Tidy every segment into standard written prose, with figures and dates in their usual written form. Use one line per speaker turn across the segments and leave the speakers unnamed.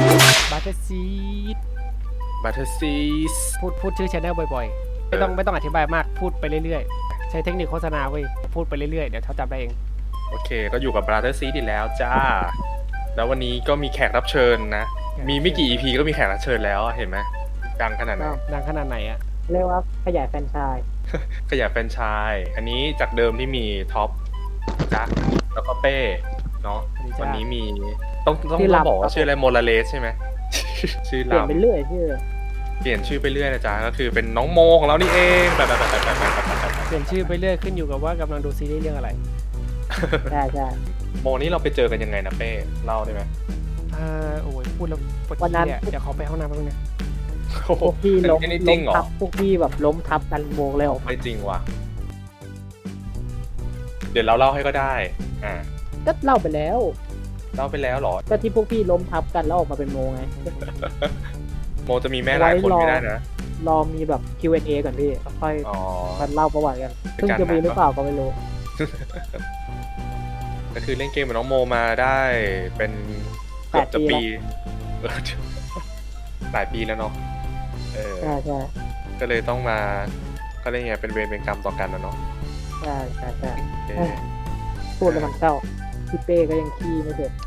บัตเตอร์ซีด
บัตเทอร์ซีส
พูดชื่อชแนลบ่อยๆไม่ต้องอธิบายมากพูดไปเรื่อยๆใช้เทคนิคโฆษณาเว้ยพูดไปเรื่อยๆเดี๋ยวเขาจำได้เอง
โอเคก็อยู่กับบัตเทอร์ซีสอีกแล้วจ้าแล้ววันนี้ก็มีแขกรับเชิญนะมีไม่กี่ EP ก็มีแขกรับเชิญแล้วเห็นไหมดังขนาดไหน
ดังขนาดไหนอะ
เรียกว่าขยายแฟรนไชส์
ขยายแฟรนไชส์อันนี้จากเดิมที่มีท็อปจักแล้วก็เป้เนาะวันนี้มีต้องบอกว่าชื่ออะไรโมลาเลสใช่ไหม ชื่อ
เปลี่ยน
ลำ
ไปเรื่อยชื่อ
เปลี่ยนชื่อไปเรื่อยนะจ๊ะก็คือเป็นน้องโมของเรานี่เองแบบ
เปลี่ยนชื่อไปเรื่อยขึ้นอยู่กับว่ากำลังดูซีรีส์เรื่องอะไร
ใช่ใช่
โมนี่เราไปเจอกันยังไงนะเป้เล่าได้ไหม
โอ้ยพูดแล้วปวดขี้อะเดี๋ยวขอไปห้องน้ำแป๊บนึงนะ
พวกพี่ล้ม
อันนี้จริงเหรอ
ทับพวกพี่แบบล้มทับกันโมงเลยออกมา
ไม่จริงว่ะเดี๋ยวเราเล่าให้ก็ได้อ่า
ก็เล่าไปแล้ว
เล่าไปแล้วเหรอ
ก็ที่พวกพี่ล้มทับกันแล้วออกมาเป็นโมงไง
โมจะมีแม่หลายคนไม่ได้นะ
รอมีแบบ Q&A ก่อนพี่ค่อย
อ๋อ
มาเล่าประวัติกัน
เป็น
ซึ่ง
การ
จะมี
นัด
หรือเปล่าก็ไม่รู้
ก็คือเล่นเกมกับน้องโมมาได้เป็นเกือบจะปีเออหลายปีแล้วเนาะ
ใช่ใช่
ก็เลยต้องมาก็เรียกไงเป็นเวรเป็นกรรมต่อกันนะเนาะ
ใช่ใช่ใช่
โอเค
พูดแล้วมันเศร้าพี่เป้ก็ยังขี้ไม่เสร็จ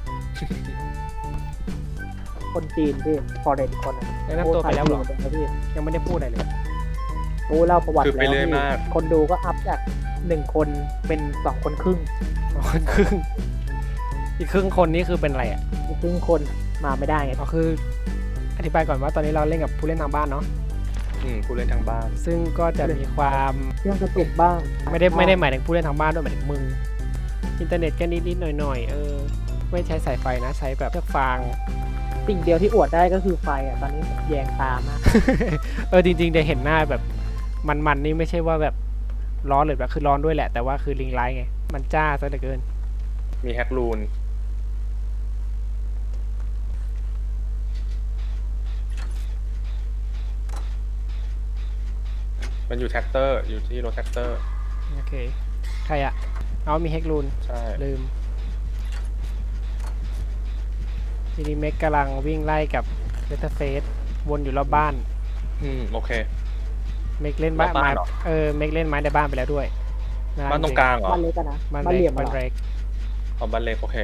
คนจีนพี่ฟอร์เรนคน
แนะนำตัวไปแล้วเหรอ
นะพี่
ยังไม่ได้พูดอะไรเลย
โอ้เล่าประวัติ
คือไป
แล้ว
เรื่อย
พี่
มาก
คนดูก็อัพจาก1 คนเป็น2 คนครึ่ง
คนครึ่งอีกครึ่งคนนี้คือเป็นอะไรอ่ะ
อีกครึ่งคนมาไม่ได้ไง
ก็คืออธิบายก่อนว่าตอนนี้เราเล่นกับผู้เล่นทางบ้านเนาะ
ผู้เล่นทางบ้าน
ซึ่งก็จะมีความ
เรื่องกระตุกบ้าง
ไม่ได้หมายถึงผู้เล่นทางบ้านด้วยหมายถึงมึงอินเทอร์เน็ตก็นิดๆหน่อยๆไม่ใช้สายไฟนะใช้แบบเชือกฟาง
สิ่งเดียวที่อวดได้ก็คือไฟอ่ะตอนนี้แยงตามาก
จริงๆได้เห็นหน้าแบบมันนี่ไม่ใช่ว่าแบบร้อนหรือแบบคือร้อนด้วยแหละแต่ว่าคือลิงไลท์ไงมันจ้าซะเหลือเกิน
มีแฮกรูนมันอยู่แท็กเตอร์อยู่ที่รถแท็กเตอร์
โอเคใครอะเอามีเฮกรูน
ใช่
ลืมทีนี้เมกกำลังวิ่งไล่กับเวทเฟสวนอยู่รอบบ้าน
โอเค
เมกเล่นไม้
รอบบ้านเหรอ
เมกเล่นไม้ในบ้านไปแล้วด้วย
บ้านตรงกลางเหรอ
บ้านเล็กกันนะ
บ้าน
บ้านเห
เล็
ลี่
ก
ยม
บ้าน
เหรอ
เล็ก
เอาบ้านเล็กโอเค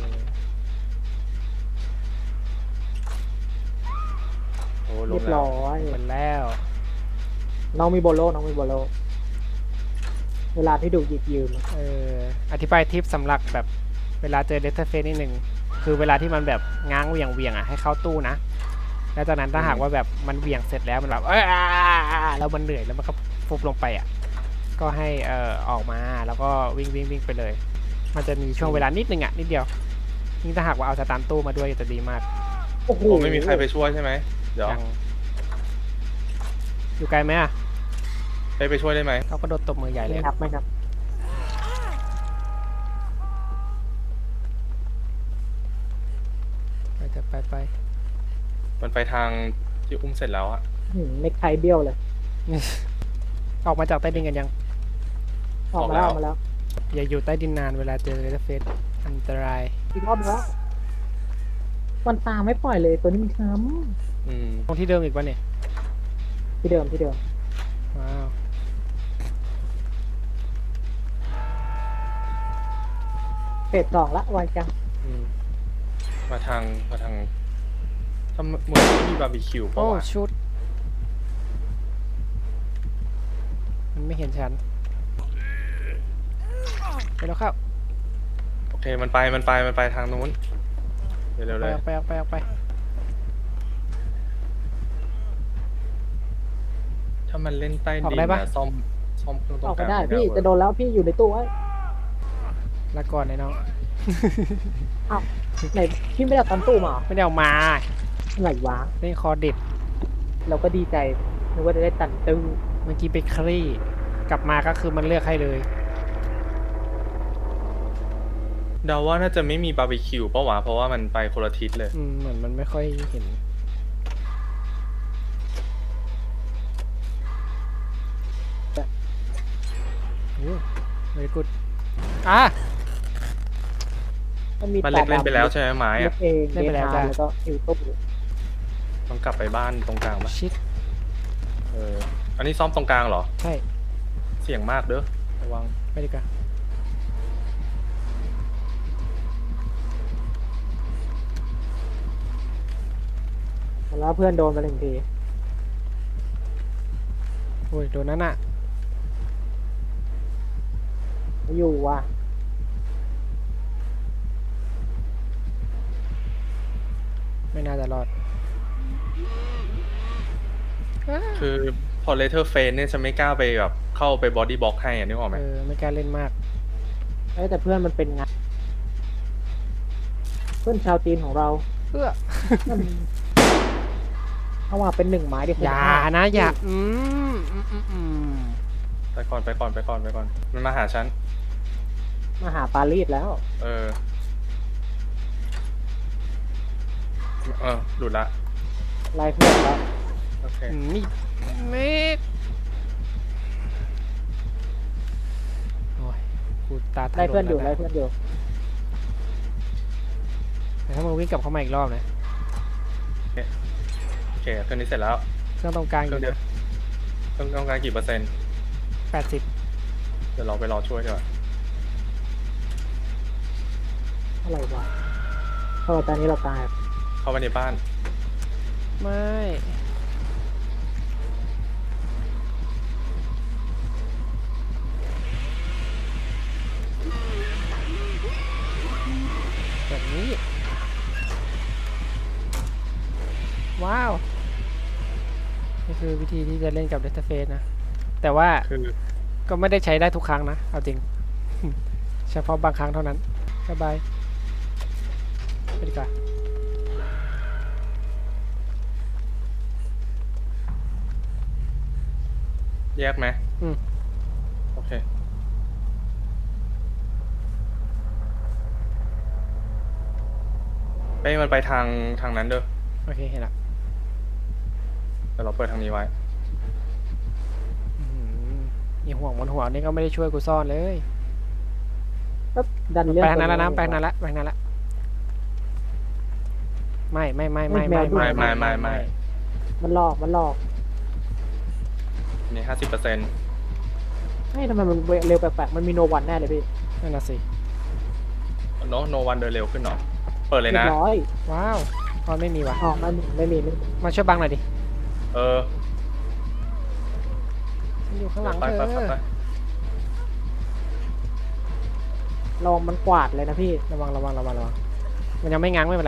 โอ้ล
เรี
ง
ยบ
แล้ว
ร้อย
หมดแล้ว
น้องมีโบโลน้องมีโบโลเวลาที่ดูหยิบยืม
อธิบายทิปสำหรับแบบเวลาเจอเดทเฟสนิดหนึ่งคือเวลาที่มันแบบง้างเหวี่ยงอ่ะให้เข้าตู้นะแล้วจากนั้นถ้าหากว่าแบบมันเหวี่ยงเสร็จแล้วมันแบบแล้วมันเหนื่อยแล้วมันก็ฟุบลงไปอ่ะก็ให้ออกมาแล้วก็วิ่งไปเลย มันจะมีช่วงเวลานิดนึงอ่ะนิดเดียวยิ่งถ้าหากว่าเอาสตาร์ตู้มาด้วยจะดีมาก
โอ้โห
โอ้ไม่มีใครไปช่วยใช่ไหมเดี๋ยว
ยังอยู่ไกลไหมอ่ะ
ไปช่วยได้ไหม
เขาก็โดดตบมือใหญ่เลย
ไม่นับไม่นับ
ไป
มันไปทางที่อุ้มเสร็จแล้วอะ
เน็กไทเบี้ยวเลย
ออกมาจากใต้ดินกันยัง
ออกมาแล้วออกมาแล้ว
อย่าอยู่ใต้ดินนานเวลาเจอเดทเฟสอันตราย
อีกรอบนึงแล้วมันตามไม่ปล่อยเลยตัวนี้มันช้
ตรงที่เดิมอีกวะเนี่ย
ำที่เดิมที่เดิม
ว้าว
เฟส2ละไวจัง
มาทางทำเหมือนที่มีบาร์บีคิว
โอ้
ป่ะวะ
ชุดมันไม่เห็นฉันไปแล้วครับ
โอเคมันไปทางนู้นเร็วๆเลย
ออกไป
ถ้ามันเล่นใต้
ออก
ดิน
ได้ปะ
นะซ่อมเครื่องตร
ออง ก
กลาง
ไม่ได้
ม่
พี่
เวิร์ก
จะโดนแล้วพี่อยู่ในตู้ไว้
ละก่อนไอ้น้อง
อ้าวไหนพี่ไม่ได้เอาตอนตู้มาเหรอ
ไม่ได้เอามา
ไหนวะ
เล่นคอเด็ด
เราก็ดีใจนึกว่าจะได้ตันตู้
เมื่อกี้ไปคลี่กลับมาก็คือมันเลือกให้เลย
เดาว่าน่าจะไม่มีบาร์บีคิวป่ะวะเพราะว่ามันไปคนละทิศเลย
เหมือนมันไม่ค่อยเห็นโอ้ very good อ่ะ
มันมี
บ้านเล็กเล่นไปแล้วใช่ไหมไม้
เล็
อะ
กเองเดทาแล้วก็ฮิวตู้
ต้องกลับไปบ้านตรงกลางปะ
ชิด
อันนี้ซ่อมตรงกลางเหรอ
ใช่
เสี่ยงมากเด้อระวัง
ไม่ดีกว่า
แล้วเพื่อนโดนไปหนึ่งที
โอ้ยโดนนั่นอ่ะ
ไม่อยู่ว่ะ
ไม่น่าจะรอด
คือพอเลเทอร์เฟนเนี่ยจะไม่กล้าไปแบบเข้าไปบอดี้บล็อกให้อะนึกออกไหม
ไม่กล้าเล่นมาก
แต่เพื่อนมันเป็นไงเพื่อนชาวจีนของเรา
เพื่อ
เขาว่าเป็นหนึ่งไม้ดิ
อย่านะอย่า
ไปก่อนไปก่อนไปก่อนไปก่อน มันมาหาฉัน
มาหาปารีสแล้ว
หลุดละ
ไล่เพื่อนแล้ว
โอเค
นี่เมกโอ้ยกูตาถลน
ไล่เพื่อนอยู่
แล้ว
ไล่เพื่อนอยู่
แต่ถ้ามึงวิ่งกลับเข้ามาอีกรอบนะ
โอเคเครื่องนี้เสร็จแล้ว
เครื่องตรงกลาง
เค
อ
รื่อยู่ งเดียว
นะ
เครื่องต้องการกี่เปอร์เซ็นต์
80
เดี๋ยวเราไปรอช่วยดีกว่า
อะไรวะตอนนี้เราตาย
เข้าไปในบ้าน
ไม่แบบนี้ ว้าว นี่คือวิธีที่จะเล่นกับเดสเฟสนะ แต่ว่า
คือ
ก็ไม่ได้ใช้ได้ทุกครั้งนะ เอาจริง เฉพาะบางครั้งเท่านั้นบ๊ายบายไปดีกว่า
แยกไหม
อืม
โอเค เป้มันไปทางนั้นเด้อ
โอเคเห็นละ
เดี๋ยวเราเปิดทางนี้ไว้
อื้อหืออีห่วงบนหัวนี่ก็ไม่ได้ช่วยกูซ่อนเลย
ก็ดันเรื่อง
ไปทางนั้นแล้วนะไปทางนั้นละไปทางนั้นละไม่ไม่
ไม่
มันหลอก
นี่50%
ให้ทำไมมันเร็วแปลกๆมันมีโนวันแน่เลยพี่
นั่นน่ะสิ
โนวันเดินเร็วขึ้นเหรอ เปิดเลย
เรีย
นะ
บร้อย
ว้าวตอนไม่มีวะ
อ๋อไม่มี
มาช่วยบังหน่อยดิ
เออ
ฉันอยู่ข้างหลัง
ไป
เธ
ไป
อ
ไป
ลองมันกวาดเลยนะพี่
ระวังมันยังไม่ง้างไม่เป็นไร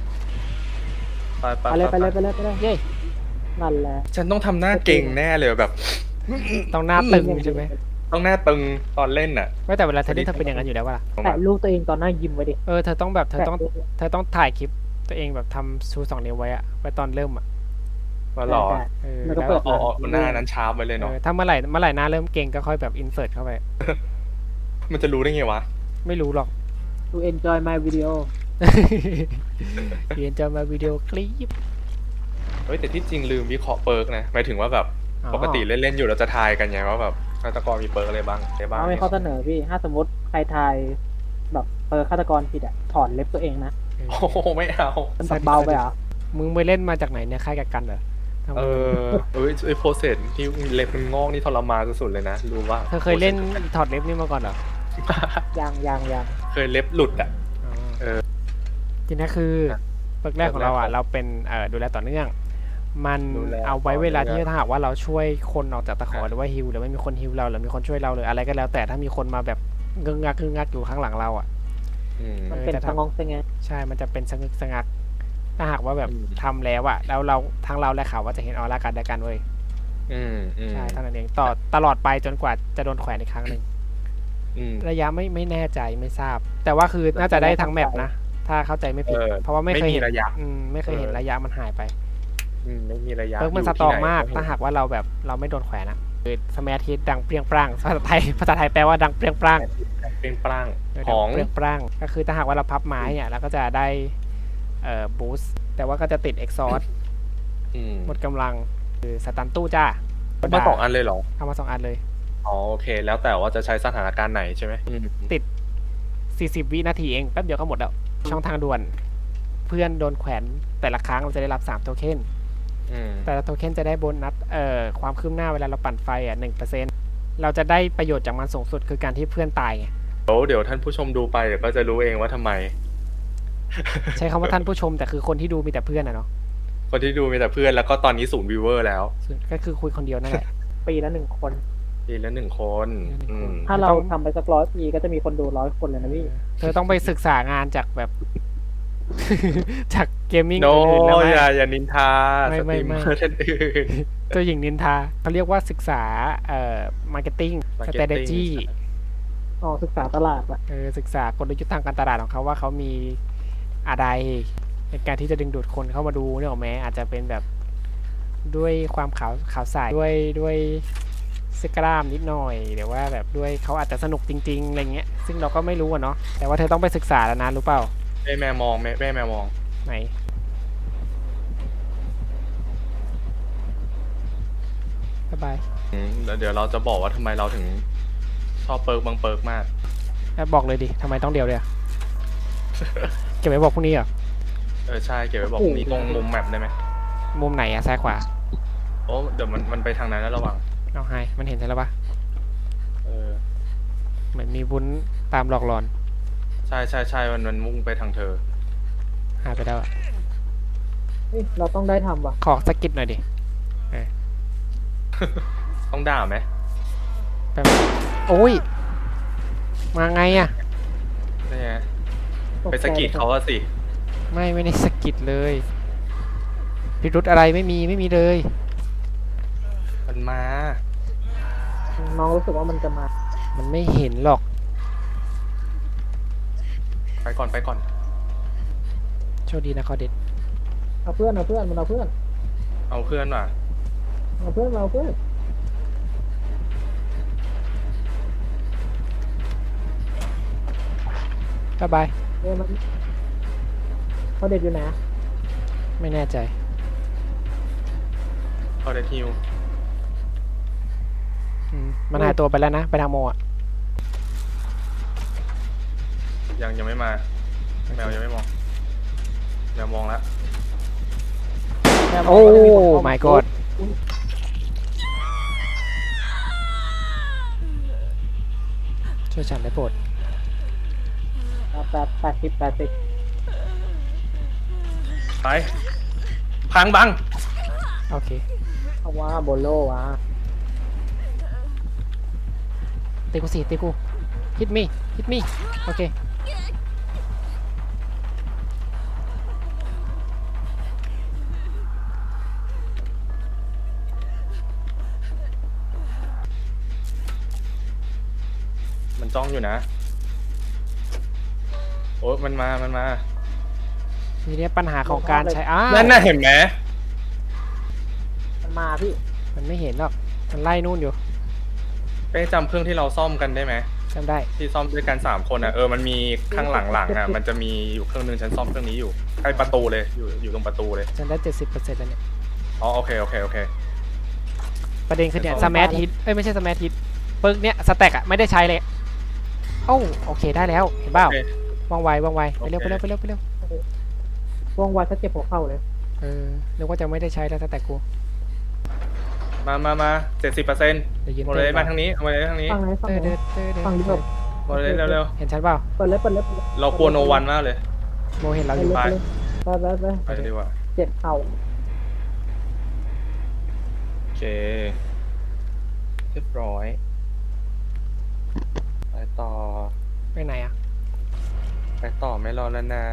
ไปเลย
เย้
นั่นแหละ
ฉันต้องทำหน้าเก่งแน่เลยแบบ
ต้องหน้าตึงใช่ไหม
ต้องหน้าตึงตอนเล่นน่ะ
ไม่แต่เวลาเธอเล่นเธอเป็นอย่างนั้นอยู่แล้ววะล่ะ
แตะลูกตัวเองตอนหน้ายิ้มไว้ดิ
เธอต้องแบบเธอต้อง
แตะลูก
เธอต้องถ่ายคลิปตัวเองแบบทำชู2 นิ้วไว้อะไว้ตอนเริ่มอะ
มาหรอ
แตะ แล้วก็
แล้ว
เปิด
อ๋อหน้านั้นชาร์ปไปเลยเนาะ
ถ้าเมื่อไหร่หน้าเริ่มเก่งก็ค่อยแบบอินเสิร์ตเข้าไป
มันจะรู้ได้ไงวะ
ไม่รู้หรอก
to enjoy my video
เรียนจะมาวิดีโอคลิป
เฮ้ยแต่ที่จริงลืมวิเคราะห์เปิร์กนะหมายถึงว่าแบบ
อ๋อ
ปกติเล่นๆอยู่เราจะทายกันไงว่าแบบฆาตกรมีเปิร์กอะไรบ้างในบ้าง
เอาไม่ข้อเสนอพี่ ถ้าสมมติใครทายแบบฆาตกรผิดอะถอนเล็บตัวเองนะ
โอ้โหไม่เอา
มันแบบเบาไปเหรอ
มึงไปเล่นมาจากไหนเนี่ยค่ายกักกันเหรอทำไม
ไอ้โปรเซสที่เล็บมันงอกนี่ทรมานสุดๆเลยนะรู้ว่า
เธอเคยเล่นถอดเล็บนี่มาก่อนเหรอ
ยัง
เคยเล็บหลุดอ่ะ
จริงนะคือเปิร์กแรกของเราอ่ะเราเป็นดูแลต่อเนื่อง มัน
ดูแล
เอาไว้เวลาที่
ต่อเนื่อง
ถ้าหากว่าเราช่วยคนออกจากตะขอหรือว่าฮิวหรือไม่มีคนฮิวเราหรือมีคนช่วยเราหรืออะไรก็แล้ว แต่ถ้ามีคนมาแบบงึกงักอยู่ข้างหลังเราอ่ะ
มันเป็นสงองเซงไง
ใช่มันจะเป็นสงึกสงักถ้าหากว่าแบบ
อืม
ทำแล้วอ่ะแล้วเราทั้งเราและเขาว่าจะเห็นออร่ากันและกันเว้ย ใช่เท่านั้นเองต่อตลอดไปจนกว่าจะโดนแขวนอีกครั้งหนึ่งระยะไม่แน่ใจไม่ทราบ แต่ว่าคือน่าจะได้ทั้งแมปนะ ถ้าเข้าใจไม่ผิด เพราะว่าไม่เคยเห็น
ไม่มีระยะ
ไม่เคยเห็นระยะมันหายไป
ไม่มีระยะ
เพิร์กมัน
ยู่
ส
ที่
ตรอง
ไหน
มาก ถ้าหากว่าเราแบบเราไม่โดนแขวนอะคือสมาธิดังเปรี้ยงปร้างภาษาไทยแปลว่าดังเปรี้ยงปร้าง
เป็นปร่าง
ดั
ของ
เปรี้ยงปร้างก็คือถ้าหากว่าเราพับไม้เนี่ยเราก็จะได้บูสต์แต่ว่าก็จะติดเอ็กซอร์หมดกำลังคือสตันตู้จ้า
มา2 อันเลยเหรอ
เอามา2 อันเลย
อ๋อโอเค แล้วแต่ว่าจะใช้สถานการณ์ไหนใช่ไหม
40 วินาทีเองแป๊บเดียวก็หมดแล้วช่องทางด่วน เพื่อนโดนแขวนแต่ละครั้งเราจะได้รับ3โทเค็น
อืม
แต่ละโทเค็นจะได้โบนัสความคืบหน้าเวลาเราปั่นไฟ1%เราจะได้ประโยชน์จากมันสูงสุดคือการที่เพื่อนตายไง
เดี๋ยวท่านผู้ชมดูไปเดี๋ยวก็จะรู้เองว่าทำไม
ใช้คำว่าท่านผู้ชมแต่คือคนที่ดูมีแต่เพื่อนอะเนาะ
คนที่ดูมีแต่เพื่อนแล้วก็ตอนนี้0 viewer แล้ว
ส่วนก็คือคุยคนเดียวนั่นแหละ
ปีละ1 คน
ปีละ1 คน อืม
ถ้าเราทำไปสัก100 ปีก็จะมีคนดู100 คนเลยนะพี่
เธอต้องไปศึกษางานจากแบบ จากเกมมิ่ง
โน
อื่นๆแล้วไหม
อย่านินทา
ไม่
สตรีมเมอร์ท่านอื่น
เจ้าหญิงนินทาเขาเรียกว่าศึกษามาร์เก็ตติ้ง
Marketing
strategy
อ๋อศึกษาตลาดอะ
ศึกษากลยุทธ์ทางการตลาดของเขาว่าเขามีอะไรในการที่จะดึงดูดคนเข้ามาดูเนี่ยหรอกไหมอาจจะเป็นแบบด้วยความขาวใสด้วยสกล้ามนิดหน่อยหรือว่าแบบด้วยเขาอาจจะสนุกจริงๆอะไรเงี้ยซึ่งเราก็ไม่รู้อะเนาะแต่ว่าเธอต้องไปศึกษาแล้วนะรู้เปล่า
แม่มองแม่มอง
ไหนบ๊ายบาย
แล้วเดี๋ยวเราจะบอกว่าทำไมเราถึงชอบเปิร์กบางเปิร์กมาก
แล้วบอกเลยดิทำไมต้องเดียวเลยอะ เก็บไว้บอกพรุ่งนี้เหรอ
ใช่เก็บไว้บอกนี้ตรงมุมแมปได้ไหม
มุมไหนอะซ้ายขวา
โอ้เดี๋ยวมันไปทางนั้นแล้วระวัง
เอาให้มันเห็นใช่แล้วปะ
เออ
เหมือนมีวุ้นตามหลอกหลอน
ใช่มันมุ่งไปทางเธอ
หายไปแล้วอะ
เฮ้ยเราต้องได้ทำว่ะ
ขอสกกิดหน่อยดิ
ต้องด่าไหม
แป๊บโอ้ยมาไงอะ
นี่ไง
ต
ไปสะกิดเขาอะสิ
ไม่ได้สกกิดเลยพิรุธอะไรไม่มีเลย
มันมา
น้องรู้สึกว่ามันจะมา
มันไม่เห็นหรอก
ไปก่อน
โชคดีนะคอเด็ด
เอาเพื่อนมันเอาเพื่อน
เอาเพื่อนว่ะ
เอาเพื่อนมาเอาเพื่อน
บ๊ายบาย
มันเขาเด็ดอยู่ไหน
ไม่แน่ใจ
พอเดทิว
มันหายตัวไปแล้วนะ ไปทางโมอ่ะ
ยังไม่มาแมวยังไม่มองแมวมองแล้ว
โอ้ my god ช่วยฉันได้โปรด
80
ไปพังบัง
โอเค
เพราะว่าโบโลวะ
ตีกูสิตีกู hit me โอเค
มันจ้องอยู่นะ โอ้มันมา
ทีนี้ปัญหาของการใช้
นั่นน่ะเห็นไหม
มันมาพี่
มันไม่เห็นหรอก มันไล่นู่นอยู่
ไปจำเครื่องที่เราซ่อมกันได้ไหม
จำได้
ที่ซ่อมด้วยกัน3 คนอ่ะมันมีข้างหลังอ่ะมันจะมีอยู่เครื่องนึงฉันซ่อมเครื่องนี้อยู่ใกล้ประตูเลยอยู่ตรงประตูเลย
จำได้ 70%แล้วเนี่ย
อ๋อโอเค
ประเด็นคือเนี่ย
จะ
ส
ซ่อม
มาร์ทฮิตไม่ใช่สมาร์ทฮิตเปิร์กเนี่ยสแต็กอะไม่ได้ใช้เลยโอ้โอเคได้แล้ว เห็นเปล่า
โอเค
ว่องไวไปเร็ว
โอเค
ว่องไวถ้าเจ็บหัวเข่าเลย
นึกว่าจะไม่ได้ใช้แล้วสแต็กกู
มา70%
เดี๋ยวยืน
โมเล
เต้น
มาทางนี้เอามาเลยทางนี้
ฟังไหนฟังไหน ฟังดิแบบ
โมเลเร็ว
เห็นฉันเปล่า
เปิดเลย
ๆเรากลัวโนวันมากเลย
โมเห็นเรา
ไป
อยู่
เลยไป
ไปดีกว่า
เจ็บเข่า
โอเคเรียบร้อยไปต่อ
ไปไหนอะ
ไม่รอแล้วนะ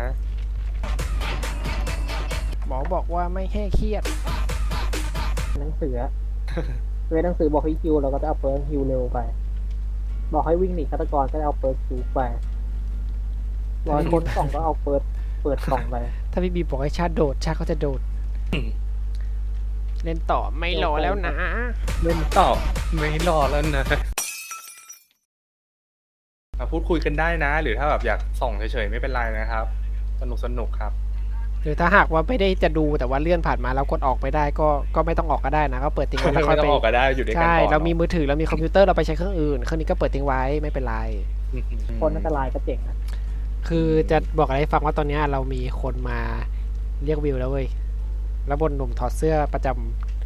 หมอบอกว่าไม่ให้เครียด
หนังสือเวทหนังสือบอกให้ฮิวเราก็จะเอาเปิร์กฮิวเร็วไป บอกให้วิ่งหนีฆาตกรก็จะเอาเปิร์กฮิวไปบอกให้ค้นกล่องก็เอาเปิดกล่องไป
ถ้าพี่บีบอกให้ชาติโดดชาติเขาจะโดด เล่นต่อไม่รอแล้วนะ
เล่นต่อไม่รอแล้วนะพูดคุยกันได้นะ หรือถ้าแบบอยากส่องเฉยๆไม่เป็นไรนะครับ สนุกครับ
หรือถ้าหากว่าไม่ได้จะดูแต่ว่าเลื่อนผ่านมาแล้วกดออกไม่ได้ก็ไม่ต้องออกก็ได้นะก็เปิดทิ้งไว้แล้วค่อย
ไม่ต้
ไป
องออกก็ได้อยู่ด้วยกัน
ใช่
ก่อน
เรามีมือถือเรามีคอมพิวเตอร์เราไปใช้เครื่องอื่นเครื่องนี้ก็เปิดทิ้งไว้ไม่เป็นไร
คนอันตรายก็เจ๋งนะ
คือจะบอกอะไรให้ฟังว่าตอนเนี้ยเรามีคนมาเรียกวิวแล้วเว้ย แล้วบนหนุ่มถอดเสื้อประจำ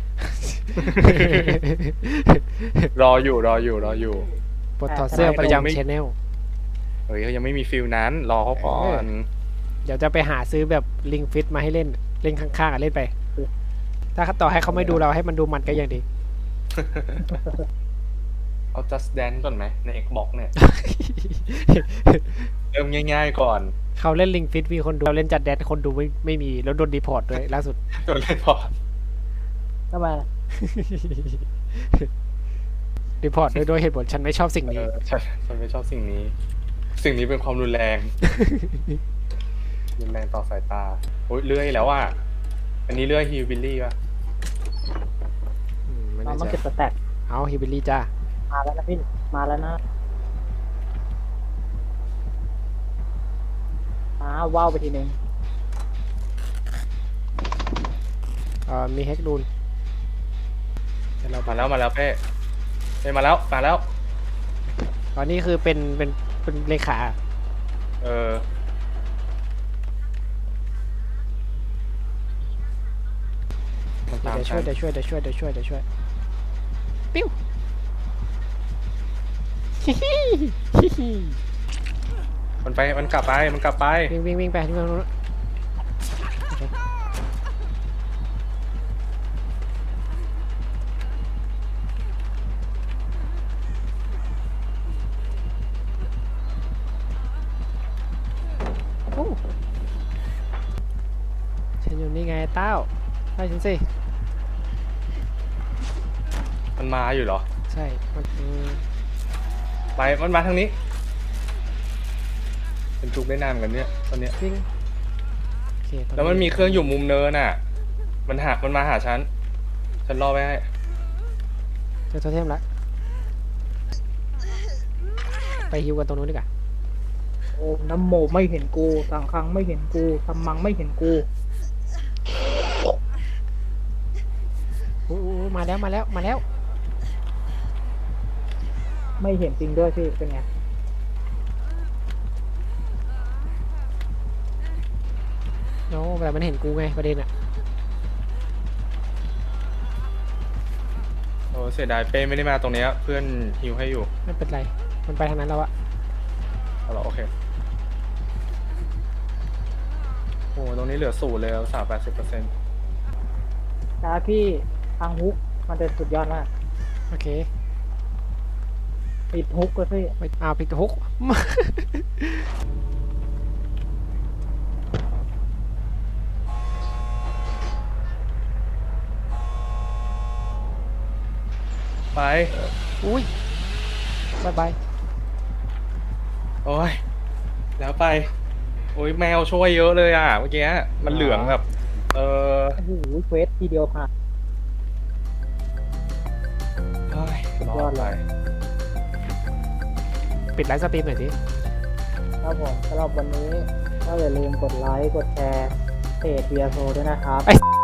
รออยู่
บนถอดเสื้อประ
ไม่
จำชแนล
เฮ้ยเขายังไม่มีฟิลนั้น รอเขาก่อน
เดี๋ยวจะไปหาซื้อแบบลิงฟิตมาให้เล่น เล่นข้างๆอ่ะเล่นไป ถ้าต่อให้เขาไม่ดูเราให้มันดูมันก็ยังดี
เอา Just Dance ก่อนไหมใน Xbox เนี่ย เริ่มง่ายๆก่อน
เขาเล่นลิงฟิตมีคนดูเราเล่นจัดแดนคนดูไม่มีแล้วโดนดีพอร์ตด้วยล่าสุด
โดนเล่นพอ
ทำไม
ดีพอร์ตด้วยเหตุผลฉันไม่ชอบสิ่งนี้
ฉันไม่ชอบสิ่งนี้ สิ่งนี้เป็นความรุนแรง รุนแรงต่อสายตาโอ้ยเลื่อยแล้วอ่ะ อันนี้เลื่อยฮิวบิลลี่ป่ะ
ไม่
เรา
แน่
ต้อง
ใจ
เก็บสแต็ก
เอาฮิบิลลี่จ้า
มาแล้วนะพี่ มาแล้วนะว้าวไปทีนึง
มีเฮกดูนเดี๋ยวเรา
มาแล้วเป้มาแล้ว
ตอนนี้คือเป็นเลขา
เออ มันตาม
เดี๋ยว
ฉั
ช่วย
น
เดี๋ยวช่วยปิ้ว
มันกลับไป
วิ่งไปที่มันนู้นโอ้ฉันอยู่นี่ไงเต้าไปฉันสิ
มันมาอยู่เหรอ
ใช่มัน
มันมาทางนี้ เป็นจุกได้นานเหมือนกันเนี่ยตอนเนี้ย
วิ่งโอเคตอ
แล้วมันมีเครื่องอยู่มุมเนินอ่ะ มันมาหาฉันรอไว้ให้
เจอโทเทมแล้วไปฮิวกันตรงนู้นดีกว่า
โอ้น้ำโมไม่เห็นกูสังคังไม่เห็นกูทำมังไม่เห็นกู
อู้มาแล้ว
ไม่เห็นจริงด้วยพี่ เป็นไง
โน้แต่มันเห็นกูไงประเด็นอะ
โอ้เสียดายเป้ไม่ได้มาตรงเนี้ยเพื่อนฮิวให้อยู่
ไม่เป็นไรมันไปทางนั้นแล้วอะ
เอาเหรอโอเคโอ้ตรงนี้เหลือ0เลย80%
นะพี่ทางฮุกมันเป็นสุดยอดมาก
โอเค
ปิดฮุกเลยพี่
ไปปิดฮุก
ไป
อุ้ยบาย
โอ้ยแล้วไป โอ้ยแมวช่วยเยอะเลยอ่ะเมื่อกี้มันเหลืองแบบ
โอ้โหเควสทีเดียวผ่าน
เฮ้ย
สุดยอดเลย
ปิดไลฟ์สตรีมหน่อยสิ
ครับผมสำหรับวันนี้ก็อย่าลืมกดไลค์กดแชร์เพจเบียโซด้วยนะครับ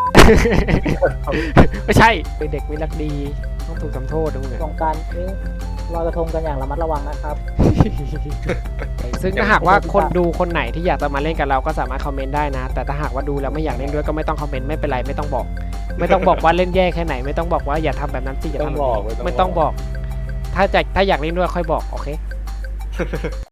ไม่ใช่เป็นเด็กไม่รักดีต้องถูกทำโทษนะมึง
สงกรานต์นี้ลอยกระทงกันอย่างระมัดระวังนะครับ
ซึ่งถ้าหากว่าคนดูคนไหนที่อยากจะมาเล่นกับเราก็สามารถคอมเมนต์ได้นะ แต่ถ้าหากว่าดูแล้วไม่อยากเล่นด้วยก็ไม่ต้องคอมเมนต์ไม่เป็นไรไม่ต้องบอก ไม่ต้องบอกว่าเล่นแย่แค่ไหนไม่ต้องบอกว่าอย่าทำแบบนั้นสิอย่าทำแบบนี้ไม่ต้องบอก ถ้าอยากเล่นด้วยค่อยบอกโอเค